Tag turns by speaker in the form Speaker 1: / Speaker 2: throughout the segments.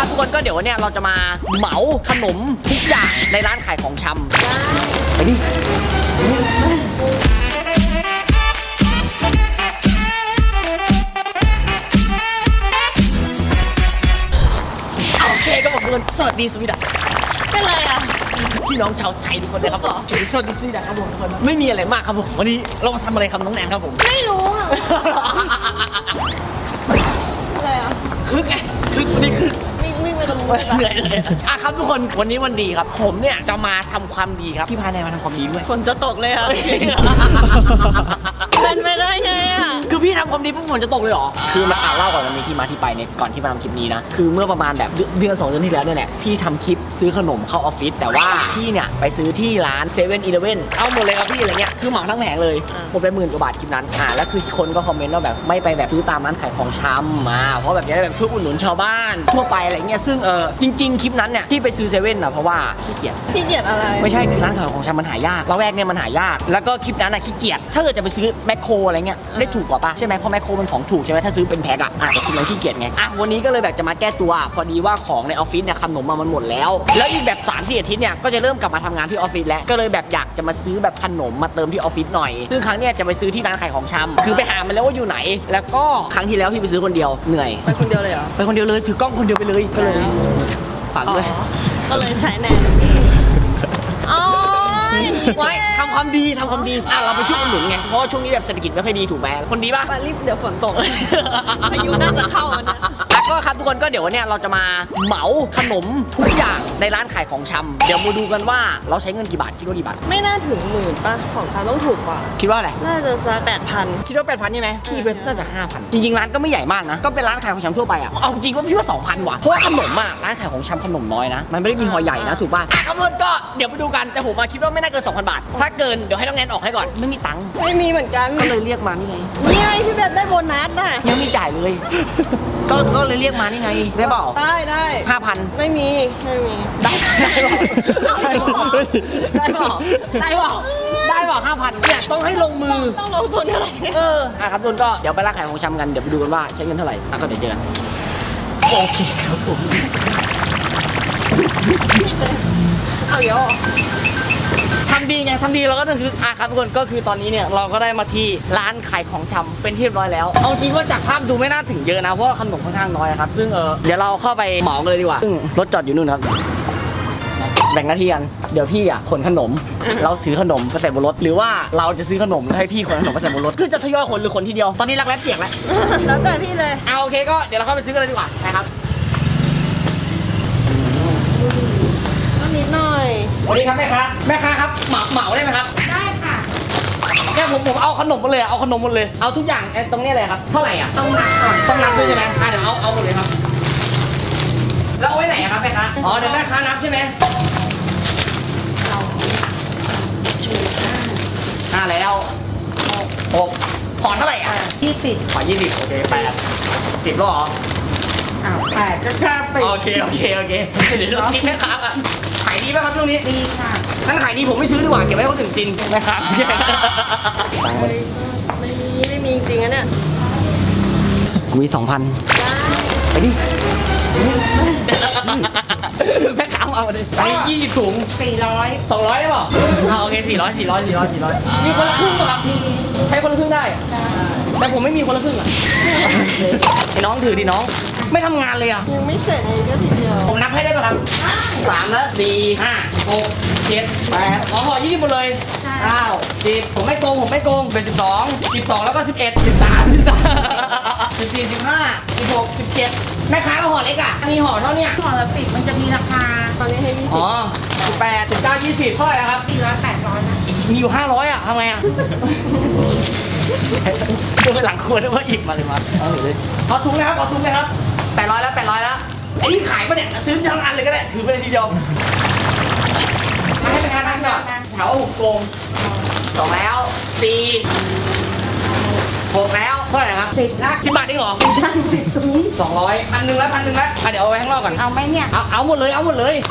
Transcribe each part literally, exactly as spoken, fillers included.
Speaker 1: ทุกคนก็เดี๋ยววันนี้เราจะมาเหมาขนมทุกอย่างในร้านขายของชำไปดิโอเคก็บอกทุกคนสวัสดีสวีดัสเป็นไรอ่ะพี่น้องชาวไทยทุกคนเลยครับผมสวัสดีสวีดัสครับผมทุกคนไม่มีอะไรมากครับผมวันนี้เรามาทำอะไรครับน้องแนนครับผม
Speaker 2: ไม่รู้อ่ะอะไรอ่ะ
Speaker 1: คึกไงคึกวันนี้คึก
Speaker 2: วิ่งวิ่งไปตรงนู้น
Speaker 1: เหนื่อยเลยอ่ะครับทุกคนวันนี้วันดีครับผมเนี่ยจะมาทำความดีครับพี่พาแนนมาทำความดีด้วย
Speaker 2: ฝนจะตกเลยอ่ะเป็นไปได้ไงอ่ะ
Speaker 1: คือพี่ทำความดีปุ๊บฝนจะตกเลยเหรอคือมาอ่าเล่าก่อนมันมีที่มาที่ไปในก่อนที่มาทำคลิปนี้นะคือเมื่อประมาณแบบเดือนสองเดือนที่แล้วเนี่ยแหละพี่ทำคลิปซื้อขนมเข้าออฟฟิศแต่ว่าพี่เนี่ยไปซื้อที่ร้านเซเว่นอีเลฟเว่นเอาหมดเลยครับพี่อะไรเงี้ยคือเหมาทั้งแผงเลยหมดไปหมื่นกว่าบาทคลิปนั้นอ่าแล้วคือคนก็คอมเมนต์ว่าแบบไม่ไปแบบซื้อตามร้านขายของชำมาเพราะแบบนี้แบบช่วยอุดหนุนชาวบ้านทั่วไปอะไรเงี้ยซึ่งเออจริงๆคลิปนั้นเนี่ยที่ไปซื้อเซเว่นนะเพราะว่าขี้เกียจ
Speaker 2: ขี้เกียจอะไร
Speaker 1: ไม่ใช่คือร้านขายของชำมันหายากละแวกเนี่ยมันหายากแล้วก็คลิปนั้นอะขี้เกียจถ้าเกิดจะไปซื้อแมคโครอะไรเงี้ยได้ถูกกว่าปะใช่ไหมเพราะแมคโครมันของถูกใช่ไหมถ้าซื้อเป็นแพ็คอะอ่ะแต่คลิปนั้นขี้เกียจไงอ่ะวันนี้ก็เลยแบบจะมาแก้ตัวพอดีว่าของในออฟฟิศเนี่ยขนมมามันหมดแล้วแล้วอีกแบบสามสี่อาทิตย์เนี่ยก็จะเริ่มกลับมาทำงานที่ออฟฟิศแล้วก็เลยแบบอยากจะมาซื้อแบบขนมมาเติมที่ออฟฟิศหน่อยซึ่งครั้งเนี้ยจะไปซื้อที่ร้านขายของชำคือไปหามันแล้วว่าอยู่ไหนแล้วก็ครั้งที่แล้วพี่ไปซื้อคนเดียวเหนื่อย
Speaker 2: ไปคนเดียวเลยเหรอ
Speaker 1: ไปคนเดียวเลยถือกล้องคนเดียวไปเลยก็เลยฝากด้วย
Speaker 2: ก็เลยใช้แนนอ๋อ
Speaker 1: ไว้ทำความดีทำความดีอ่ะเราไปช่วยอุดหนุนไงเพราะช่วงนี้แบบเศรษฐกิจไม่ค่อยดีถูกไหมคนดีป่ะ
Speaker 2: ไปรีบเดี๋ยวฝนตกพายุน่าจะเข้านะ
Speaker 1: แล้วก็ครับทุกคนก็เดี๋ยววันนี้เราจะมาเหมาขนมทุกอย่างในร้านขายของชำเดี๋ยวมาดูกันว่าเราใช้เงินกี่บาทคิดว่ากี่บาท
Speaker 2: ไม่น่าถึงหมื่นป่ะของซาต้องถูกกว่า
Speaker 1: คิดว่าอะไร
Speaker 2: น่าจะสักแปดพัน
Speaker 1: คิดว่าแปดพันใช่ไหมพี่เป็นน่าจะห้าพันจริงๆร้านก็ไม่ใหญ่มากนะก็เป็นร้านขายของชำทั่วไปอ่ะเอาจริงว่าพี่ว่าสองพันว่ะเพราะว่าขนมอ่ะร้านขายของชำขนมน้อยนะมันไม่ได้มีห่อใหญ่นะถูกป่ะครับทุกคนก็เดี๋ยวไปดูกันแต่ผมมาคิดว่าไม่น่าเกิน สองพัน บาทถ้าเกินเดี๋ยวให้น้องแนนออกให้ก่อนไม่มีตังค์
Speaker 2: ไม่มีเหมือนกัน
Speaker 1: ก็เลยเรียกมานี่ไง
Speaker 2: นี่ไงพี่แบบได้โบนัสน่ะ
Speaker 1: ยังไม่จ่ายเลยก็ก็เลยเรียกมานี่ไงได้เปล่า
Speaker 2: ได้ได้
Speaker 1: ห้าพัน
Speaker 2: ไม่มีไม่มี
Speaker 1: ได้ได้เปล่าได้เปล่าได้เปล่าได้เปล่าห้าพันเนี่ยต้องให้ลงมือ
Speaker 2: ต้องลงทุนเท่าไหร่
Speaker 1: เอออ่ะครับทุนก็เดี๋ยวไปร้านขายของชำกันเดี๋ยวไปดูกันว่าใช้เงินเท่าไหร่อ่ะก็เดี๋ยวเจอกันโอเคครับผม
Speaker 2: เอาเยอะ
Speaker 1: ทำดีไงทำดีเราก็ต้องคืออ่ะครับทุกคนก็คือตอนนี้เนี่ยเราก็ได้มาที่ร้านขายของชำเป็นที่เรียบร้อยแล้วเอาจริงว่าจากภาพดูไม่น่าถึงเยอะนะเพราะว่าขนมค่อนข้างน้อยครับซึ่งเออเดี๋ยวเราเข้าไปเหมากันเลยดีกว่าซึ่งรถจอดอยู่นู่นครับแบ่งหน้าที่กันเดี๋ยวพี่อ่ะขนขนมเราถือขนมไปใส่บนรถหรือว่าเราจะซื้อขนมแล้วให้พี่ขนขนมไปใส่บนรถคือจะทยอยขนหรือขนทีเดียวตอนนี้รักแร้เปียกแล้ว
Speaker 2: แล้วแต่พี่เลย
Speaker 1: เอาโอเคก็เดี๋ยวเราเข้าไปซื้อกันเลยดีกว่านะครับ
Speaker 2: นิดหน่อย
Speaker 1: สวัสดีครับแม่ค้าแม่ค้าครับเหมาเหมาได้ไหมครับ
Speaker 2: ได้ค่ะ
Speaker 1: แค่ผมผมเอาขนมหมดเลยเอาขนมหมดเลยเอาทุกอย่างตรงนี้เลยครับเท่าไหร่อ่ะ
Speaker 2: ต้องนับก่อน
Speaker 1: ต้องนับด้วยใช่ไหมอ่ะเดี๋ยวเอาเอาหมดเลยครับแล้วเอาไว้ไหนครับแม่ค้าอ๋อเดี๋ยวแม่ค้านับใช่ไหมห้าแล้วหกขอเท่าไหร่อ่ะ
Speaker 2: ยี่สิบ
Speaker 1: ขอยี่สิบโอเคแปดสิบแล้วเหรอ
Speaker 2: อ้าวแปดก็แค่ไป
Speaker 1: โอเคโอเคโอเคเดี๋ยวเราคิดแม่ค้าอ่ะขายดีไหมครับช่วงนี้
Speaker 2: ดีค่ะ
Speaker 1: ถ้าขายดีผมไม่ซื้อดีกว่าเก็บไว้ให้คนอื่นกินนะครับ
Speaker 2: ไม่มีไม่มีจริงๆนะเนี่ย
Speaker 1: มีสองพันไปดิแม่ค้าเอาเลยไปยี่สิบถุง
Speaker 2: สี่ร้อย
Speaker 1: สองร้อยได้ป่ะอ่าโอเคสี่ร้อยสี่ร้อยสี่ร้อยสี่ร้อยมีคนละครึ่งป่ะครับใช้คนละครึ่งได้แต่ผมไม่มีคนละครึ่งอ่ะไอ้น้องถือดิน้องไม่ทำงานเลยอ่ะ
Speaker 2: ยังไม่เสร็จเลยก็ทีเดียว
Speaker 1: ผมนับให้ได้ป่ะครับสามแล้วสี่ห้าหกเจ็ดแปดขอห่อยี่สิบหมดเลยเก้าสิบผมไม่โกงผมไม่โกงเป็นสิบสองสิบสองแล้วก็สิบเอ็ดสิบสามสิบสามสิบสี่สิบห้าสิบหกสิบเจ็ดแม่ค้าก็ห่อเล็กอ่ะมีห่อเท่านี้
Speaker 2: ห่อละสิบมันจะมีราคาตอนนี้ให้ยี่สิบ
Speaker 1: อ๋อสิบแปดสิบเก้ายี่สิบเท่าไหร่ครับ
Speaker 2: สี่ร้อยแปดร้อยนะ
Speaker 1: มีอยู่ห้าร้อยอ่ะทำไงอ่ะดูหลังครัวได้ว่าหยิบมาเลยมาเอาเลยขอถุงนะครับขอถุงนะครับแปดร้อยแล้วแปดร้อยแล้วไอ้นี่ขายปะเนี่ยซื้อทั้งอันเลยก็ได้ถือไปเลยทีเดียวให้เป็นงานนั่งก่อนถามว่าผมโกงสองแล้วสี่หกแล้วเท่าไหร่ครับ
Speaker 2: สิบละ
Speaker 1: สิบบาทได้หรอ
Speaker 2: ใช่สิบตรงนี้
Speaker 1: สองร้อยพันหนึ่งแล้วพันหนึ่งแล้วเดี๋ยวเอาไว้ข้างนอกก่อน
Speaker 2: เอาไหมเนี่ย
Speaker 1: เอาเอาหมดเลยเอาหมดเลย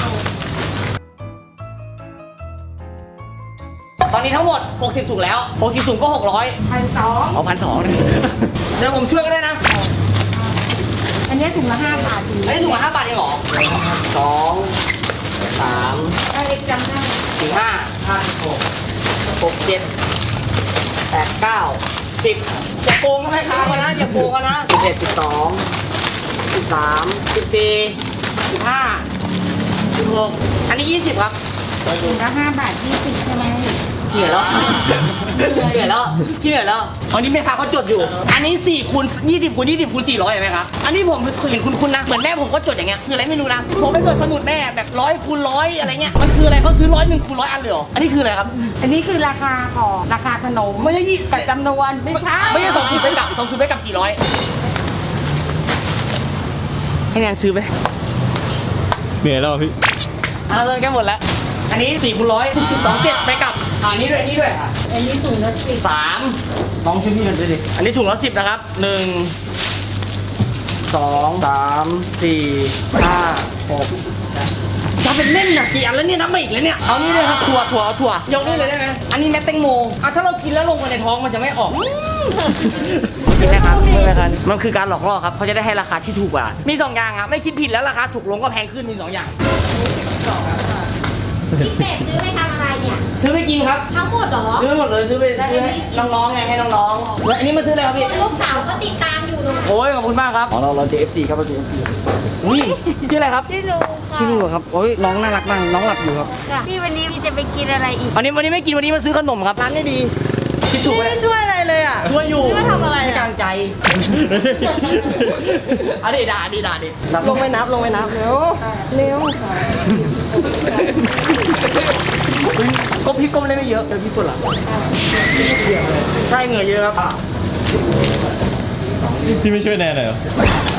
Speaker 1: ตอนนี้ทั้งหมดหกสิบถุงแล้วหกสิบถุงก็หกร้อย
Speaker 2: พันสอง
Speaker 1: เอาพันสองเดี๋ยวผมช่วยก็ได้นะ
Speaker 2: อันนนี้ถุงละห้าบาทจริง
Speaker 1: อันนี้ถุงละห้าบาทเองเหรอสองสาม
Speaker 2: เออเอ็กซ์จำได้
Speaker 1: สี่ห้าห้าหกหกเจ็ดแปดเก้าสิบอย่าโกงก็ไม่ค้ามานะอย่าโกงกันนะสิบเอ็ดสิบสองสิบสามสิบสี่สิบห้าสิบหกอันนี้ยี่สิบครับ
Speaker 2: ถุงละห้าบาทยี่สิบใช่ไหม
Speaker 1: เหนื่อยแล้วเหนื่อยแล้วพี่เหนื่อยแล้วอันนี้แม่ค้าเขาจดอยู่ อันนี้สี่คูณยี่สิบคูณยี่สิบคูณสี่ร้อยเห็นไหมครับอันนี้ผมเห็นคุณคุณนะเหมือนแม่ผมก็จดอย่างเงี้ยคืออะไรไม่รู้นะผมไปเปิดสมุดแม่แบบร้อยคูณร้อยอะไรเงี้ยมันคืออะไรเขาซื้อร้อยหนึ่งคูณร้อยอันเลยเหรออันนี้คืออะไรครับ
Speaker 2: อันนี้คือราคาของราคาขนม
Speaker 1: ไม่ใช่ยี่
Speaker 2: กับจำนวนไม่ใช่
Speaker 1: ไม่ใช่สองสิบไปกับสองสิบไปกับสี่ร้อยให้แนนซื้อไป
Speaker 3: เหนื่อยแล้วพี่
Speaker 1: เอาเลยแกหมดแล้วอันนี้สี่คูณร้อยสองเจ็ดไปกับอ่านี้ด้วยนี่ด้วยอ่ะ
Speaker 2: อันนี้ถุงละสิบ
Speaker 1: สามน้องช่วยพี่หน่อยด้วยดิอันนี้ถุงละสิบนะครับหนึ่งสองสามสี่ห้าหกจะเป็นเล่นนะกี่อันแล้วเนี่ยนับมาอีกแล้วเนี่ยเอานี่เลยครับถั่วถั่วเอาถั่วยกนี่เลยได้ไหมอันนี้แม็กแตงโมอ่ะถ้าเรากินแล้วลงไปในท้องมันจะไม่ออกกินนะครับไม่เป็นไรครับมันคือการหลอกล่อครับเขาจะได้ให้ราคาที่ถูกกว่ามีสองอย่างครับไม่คิดผิดแล้วราคาถูกลงก็แพงขึ้นมีสองอย่าง
Speaker 2: พี่เป็ดซื้อไปทำอะไรเนี่ย
Speaker 1: ซื้อไปกินครับ
Speaker 2: ทั้งหมดเหรอ
Speaker 1: ซื้อไปหมดเลยซื้อไปซื้อให้น้องๆไงให้น้องๆแล้วอันนี้มาซื้ออะไรครับพี่
Speaker 2: ลูกสาวก็ติดตามอยู่เลย
Speaker 1: โอ้ยขอบคุณมากครับอ๋อเราเราเจอ เอฟ ซี ครับเราเจอ เอฟ ซี อุ้ยชื่ออะไรครับ
Speaker 2: พี่ลูกค่ะ
Speaker 1: ชื่อลูกเหรอครับโอ้ยน้องน่ารักมากน้องหลับอยู่ครับ
Speaker 2: พี่วันนี้พี่จะไปกินอะไรอีก
Speaker 1: วันนี้วันนี้ไม่กินวันนี้มาซื้อขนมครับร้านนี้ดีคิดถูกไหม
Speaker 2: ไม่ช่วยอะไรเลยอ่ะ
Speaker 1: ช่วยอยู่
Speaker 2: ช่วยทำอะไรอะ
Speaker 1: ให้กำลังใจอันนี้ด่าดีด่าดิ
Speaker 2: ลงไปนับลงไปนับเร็วเร็ว
Speaker 1: ก็พี่ก้มได้ไม่เยอะเดี๋ยวพี่กดหลังใช่เหงื่อเยอะครับ
Speaker 3: พี่ไม่ช่วยแนนหน่อยเหรอ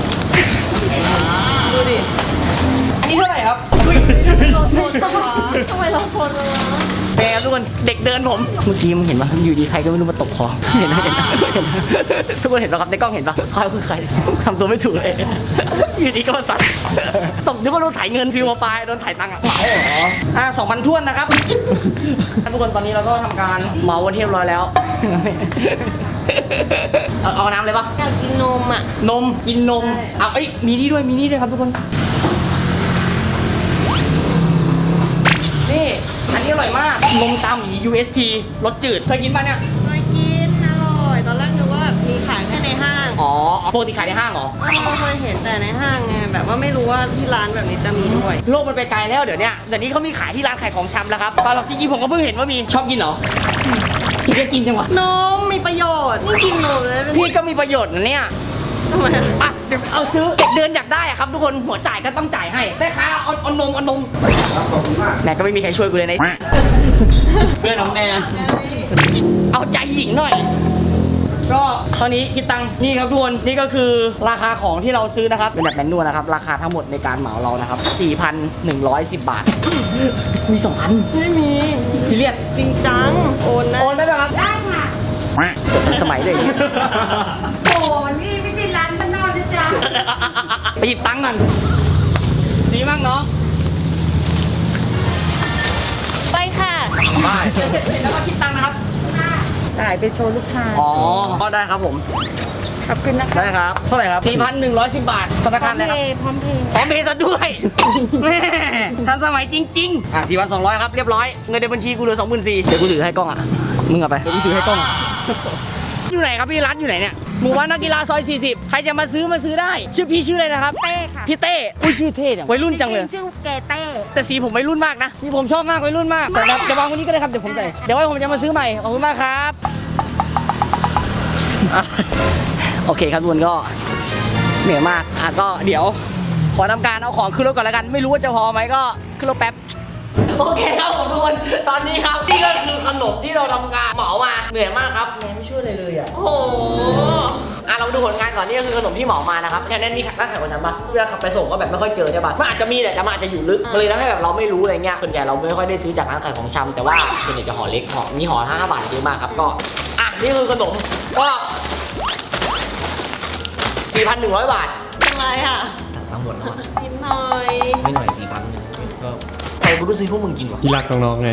Speaker 1: ดูดิอันนี้เท่าไหร่ครับ
Speaker 2: เราโทษตัวทำไมเราโทษเลยวะ
Speaker 1: เป็นไงครับทุกคนเด็กเดินผมเมื่อกี้มึงเห็นปะอยู่ดีใครก็ไม่รู้มาตบคอเห็นไหมเห็นไหมเห็นไหมทุกคนเห็นปะครับในกล้องเห็นปะใครคือใครทำตัวไม่ถูกเลยอยู่ดีก็มาสั่นตบนึกว่าโดนถ่ายเงินฟิวมาปลายโดนถ่ายตังค์อะเหมาเหรออ่าสองพันท้วนนะครับทุกคนตอนนี้เราก็ทำการเหมาวันเรียบร้อยแล้วเอาเอาน้ำเลยปะ
Speaker 2: อยากกินนมอ่ะ
Speaker 1: นมกินนมเอาเอ้ยมีนี่ด้วยมีนี่ด้วยครับทุกคนนี่อันนี้อร่อยมากนมตาหมี ยู เอส ที รสจืดเคยกินป่ะเนี่ย
Speaker 2: เคยกินอร่อย ตอนแรกนึกว่าแบบมีขายแค่ในห้าง
Speaker 1: อ๋อปกติขายในห้างเหรอ
Speaker 2: เออเคยเห็นแต่ในห้างไงแบบว่าไม่รู้ว่าที่ร้านแบบนี้จะมีด้วย
Speaker 1: โลกมันไปไกลแล้วเดี๋ยวเนี้ยเดี๋ยวนี้เขามีขายที่ร้านขายของชำแล้วครับตอนเราจริงๆผมก็เพิ่งเห็นว่ามีชอบกินเหรอพี่ก็กินจังวะ
Speaker 2: นมมีประโยชน์นี่กินนมเลย
Speaker 1: พี่ก็มีประโยชน์นะเนี่ย
Speaker 2: ทำไมอะ
Speaker 1: อ่ะเดี๋ยวเอาซื้อเด็กเดินอยากได้อะครับทุกคนหัวจ่ายก็ต้องจ่ายให้แม่ค้าเอาเอานมเอานมแม่ก็ไม่มีใครช่วยกูเลยในเพื่อนน้องแม่เอาใจหญิงหน่อย ก็ตอนนี้คิดตังค์นี่ครับทุกคนนี่ก็คือราคาของที่เราซื้อนะครับเป็นแบบแมนนวลนะครับราคาทั้งหมดในการเหมาเรานะครับ สี่พันหนึ่งร้อยสิบ บาท มีสองพัน
Speaker 2: ไม่มี
Speaker 1: ซีเรียส
Speaker 2: จริงจัง โอนนะ
Speaker 1: โอนได้ไหมครับ
Speaker 2: ได้ค่ะ
Speaker 1: สมัยเลย
Speaker 2: โอ้นี่ไม่ใช่ร้านบ้านนอกนะจ๊ะ
Speaker 1: ไปหยิบตังค์กันดีมากเนาะ
Speaker 2: ไปค่ะ
Speaker 1: ไปเสร็จเสร็จแล้วมาคิดตังค์นะครับ
Speaker 2: จ่ายไปโชว์ลูกค้า
Speaker 1: อ๋อก็ได้ครับผม
Speaker 2: ขอบคุณนะคะ
Speaker 1: ได้ครับเท่าไหร่ครับ สี่พันหนึ่งร้อยสิบ บาทธนาคารอะไรครับ
Speaker 2: พร้อมเพย์
Speaker 1: พร้อมเพย์ซะด้วยแม่ทันสมัยจริงๆอ่ะสี่พันสองร้อยครับเรียบร้อยเงินในบัญชีกูเหลือสองหมื่นสี่เดี๋ยวกูถือให้กล้องอ่ะมึงเอาไปเดี๋ยวกูถือให้กล้องอยู่ไหนครับพี่ร้านอยู่ไหนเนี่ยหมู่บ้านนักกีฬาซอยสี่สิบใครจะมาซื้อมาซื้อได้ชื่อพี่ชื่ออะไรนะครับ
Speaker 2: เต้ค่ะ
Speaker 1: พี่เต้อุ้ยชื่อเท่จังวัยรุ่นจังเลย
Speaker 2: ชื่อเกเต้
Speaker 1: แต่สีผมวัยรุ่นมากนะสีผมชอบมากวัยรุ่นมากแต่เดี๋ยววางวันนี้ก็ได้ครับเดี๋ยวผมใส่เดี๋ยวไว้ผมจะมาซื้อใหม่ขอบคุณมากครับอ่ะโอเคครับทุกคนก็เหนื่อยมากอ่ะก็เดี๋ยวขอทำการเอาของขึ้นรถก่อนแล้วกันไม่รู้ว่าจะพอไหมก็ขึ้นรถแป๊บโอเคครับผมทุกคนตอนนี้ครับนี่ก็คือขนมที่เราทำการเหมามาเหนื่อยมากครับแนนไม่ช่วยเลยเลยอ่ะ
Speaker 2: โอ้โห
Speaker 1: อ่ะเราดูผลงานก่อนนี่ก็คือขนมที่เหมามานะครับแค่นั้นมีร้านขายคนทำปะเวลาขับไปส่งก็แบบไม่ค่อยเจอใช่ปะมันอาจจะมีแต่มันอาจจะอยู่ลึกมันเลยทำให้แบบเราไม่รู้อะไรเงี้ยส่วนใหญ่เราไม่ค่อยได้ซื้อจากร้านขายของชำแต่ว่าส่วนใหญ่จะห่อเล็กห่อมีห่อห้าบาทเยอะมากครับก็อ่ะนี่คือขนมก็สี่พันหนึ่งร้อยบาท
Speaker 2: ทำไมอ่ะ
Speaker 1: ทั้งหมดเนาะ
Speaker 2: นิดหน่อย
Speaker 1: ไม่หน่อยสี่พันก็ใครกูรู้ซื้อพวกมึงกินวะ
Speaker 3: พี่รักน้องๆไง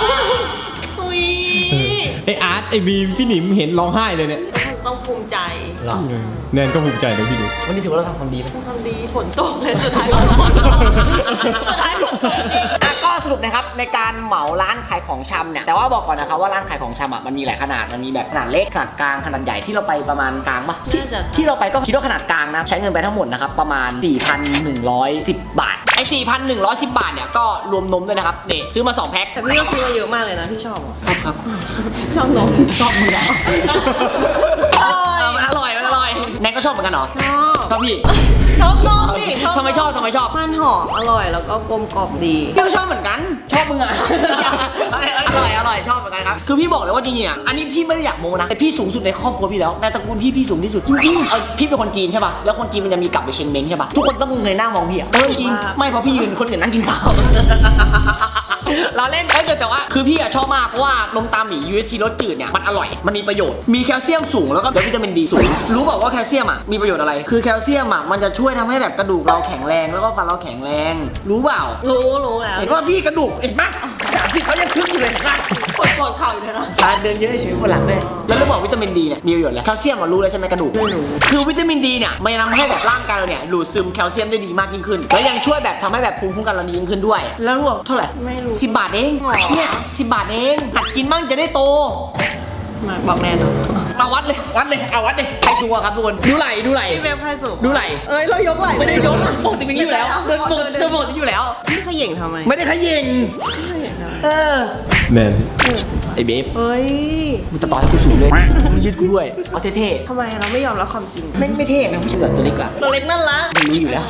Speaker 2: อุ้ย
Speaker 3: เออไออาร์ตไอบีมพี่หนิมเห็นร้องไห้เลยเนี่ย
Speaker 2: ต้องภูมิใจ
Speaker 1: หรอ
Speaker 3: แนนก็ภูมิใจนะพี่ดู
Speaker 1: วันนี้ถือว่าเราทำความดีไหม
Speaker 2: ทำดีฝนตกเลยสุดท้ายก็ฝนตกสุดท้ายฝนตกจริง
Speaker 1: อ่ะก็สรุปนะครับในการเหมาร้านขายของชำเนี่ยแต่ว่าบอกก่อนนะครับว่าร้านขายของชำอ่ะมันมีหลายขนาดมันมีแบบขนาดเล็กขนาดกลางขนาดใหญ่ที่เราไปประมาณกลางปะที่
Speaker 2: น่าจะ
Speaker 1: ที่เราไปก็คิดว่าขนาดกลางนะใช้เงินไปทั้งหมดนะครับประมาณ สี่พันหนึ่งร้อยสิบ บาทไอ้ สี่พันหนึ่งร้อยสิบ บาทเนี่ยก็รวมนมด้วยนะครับนี่ซื้อมาสองแพ็ค
Speaker 2: แต่พี่ก็ซื้อมาเยอะมากเลยนะที่ชอบอ่ะ
Speaker 1: ครับ
Speaker 2: ชอบนม
Speaker 1: ชอบมึงแล้ว
Speaker 2: อร่อย
Speaker 1: มันอร่อยมันอร่อยแนนก็ชอบเหมือนกันเหรอ
Speaker 2: ชอบ
Speaker 1: ชอบพี่
Speaker 2: ชอบนมดิ
Speaker 1: ทำไมชอบทำไมชอบ
Speaker 2: มันหอมอร่อยแล้วก็กลมกล่อมดี
Speaker 1: พี่ก็ชอบเหมือนกัน ชอบมึงอ่ะ อร่อยอร่อยชอบเหมือนกันครับ คือพี่บอกเลยว่าจริงๆอ่ะ อันนี้พี่ไม่ได้อยากโม้นะ แต่พี่สูงสุดในครอบครัวพี่แล้ว ในตระกูลพี่พี่สูงที่สุด จริงๆเอาพี่เป็นคนจีนใช่ป่ะ แล้วคนจีนมันจะมีกลับไปเชงเม้งใช่ป่ะ ทุกคนต้องเงยหน้ามองพี่อ่ะเออจริง ไม่เพราะพี่ยืนคนอื่นนั่งกินข้าว เราเล่นเอ้ยแต่ว่าคือพี่อะชอบมากเพราะว่านมตาหมี ยู เอช ที รสจืดเนี่ยมันอร่อย มันมีประโยชน์ มีแคลเซียมสูงแล้วก็วิตามินดีสูง รู้เปล่าว่าแคลเซียมอ่ะมีประโยชน์อะไร คือแคลเซียมอ่ะมันจะช่วยทำให้แบบกระดูกเราแข็งแรงแล้วก็ฟันเราแข็งแรง รู้เปล่า
Speaker 2: รู้รู้แล้ว
Speaker 1: เห็นว่าพี่กระดูกเห็นปะสามสิบเขายังคึกอยู่เลยเห็นปะ
Speaker 2: ปวดปวดเข่าอยู่เลยนะ
Speaker 1: การเดินเยอะเฉยๆคนหลังเลยแล้วรู้บอกวิตามินดีเนี่ยมีประโยชน์อะไรแคลเซียมเรารู้แล้วใช่ไหมกระดูก
Speaker 2: ไม่รู้
Speaker 1: คือวิตามินดีเนี่ยมันทำให้แบบร่างกายเราเนี่ยดูดซึมแคลเซียมได้ดีมากยิ่งขึ้น แล้วยังช่วยแบบทำให้แบบภูมิคุ้มกันเราดียิ่งขึ้นด้วย แล้วรู้เท่าไหร่
Speaker 2: ไม่รู้
Speaker 1: สิบบาทเอง
Speaker 2: หรอ
Speaker 1: เนี่ยสิบบาทเองหัดกินบ้างจะได้โต
Speaker 2: มาบอกแน่นอน
Speaker 1: มาวัดเลยวัดเลยเอาวัดเลยใครชัวร์ครับทุกคนดูไหลดูไหล
Speaker 2: พี่เว็บใครสูง
Speaker 1: ดูไหล
Speaker 2: เอ้ยเรายกไหล่
Speaker 1: ไม่ได้ยกปกติเป็นอย่างนี้อยู่แล้วเดินปกติเดินปกติอยู่แล้ว
Speaker 2: พี่ขย่งทำไม
Speaker 1: ไม่ได้ขยิง
Speaker 2: พี่ขย่งทำไม
Speaker 1: เออ
Speaker 3: แนน
Speaker 1: ไอ้เบฟ
Speaker 2: เฮ้ย
Speaker 1: มึงจะต่อให้กูสูงเลยมึงยืดกูด้วยเอาเท่
Speaker 2: ทำไมเราไม่ยอมรับความจริง
Speaker 1: ๆไม่ไม่เท่นะผู้ชายแบบตัวเล็กอะ
Speaker 2: ตัวเล็กน่ารัก
Speaker 1: ไม่รู้อยู่แล้ว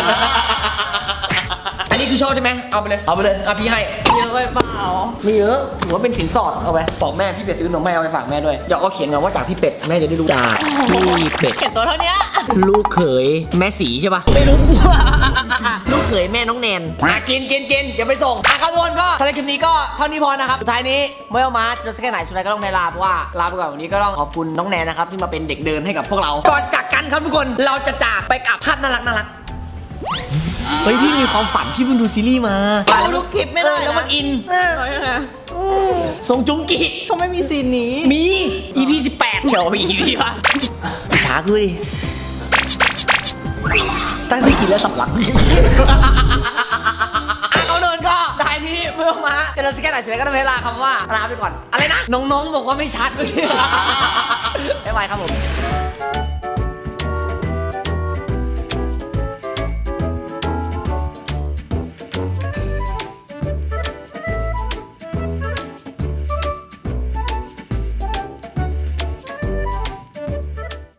Speaker 1: อันนี้คือชอบใช่ไหมเอาไปเลยเอาไปเลยอ่ะพี่ให้
Speaker 2: เยอะไปเปล่า
Speaker 1: ไม่เยอะถือว่าเป็นสินสอดเอาไปบอกแม่พี่เป็ดซื้อนมแม่เอาไปฝากแม่ด้วยเดี๋ยวเอาเขียนมาว่าจากพี่เป็ดแม่จะได้รู้จากพี่เป็ด
Speaker 2: เห็นตัวเท่านี้
Speaker 1: ลูกเขยแม่สีใช่ปะไม่รู้ ลูกเขยแม่น้องแนนอ่ะกินกินกินเดี๋ยวไปส่งอ่ะครับทุกคนก็สำหรับคลิปนี้ก็เท่านี้พอนะครับสุดท้ายนี้ไม่เอามาจะสักแค่ไหนสุดท้ายก็ต้องไปลาเพราะว่าลาไปก่อนวันนี้ก็ต้องขอบคุณน้องแนนนะครับที่มาเป็นเด็กเดินให้กับพวกเราก่อนจากกันครับทุกคนเราจะจากไปกับภาพน่ารักน่ารักเฮ้ยพี่มีความฝันพี่เพิ่งดูซีรีส์มา
Speaker 2: ดูทุกคลิปไม่ได้
Speaker 1: เออ
Speaker 2: นะ
Speaker 1: แล้วมันอิน
Speaker 2: เออยังไง
Speaker 1: ทรงจุงกิ
Speaker 2: เขาไม่มีซีนนี้
Speaker 1: มี อี พี สิบแปดเชียวมี อี พี วะช้ากูดิตั้งที่กินแล้วสำลัก อ่ะเขาเดินก็ได้พี่เมื่อมาเจริญสแกนไหนเสร็จแล้วก็ต้องเวลาคำว่าลาไปก่อน อะไรนะ น้องๆบอกว่าไม่ชัดเมื่อกี้ บ๊ายบายครับผม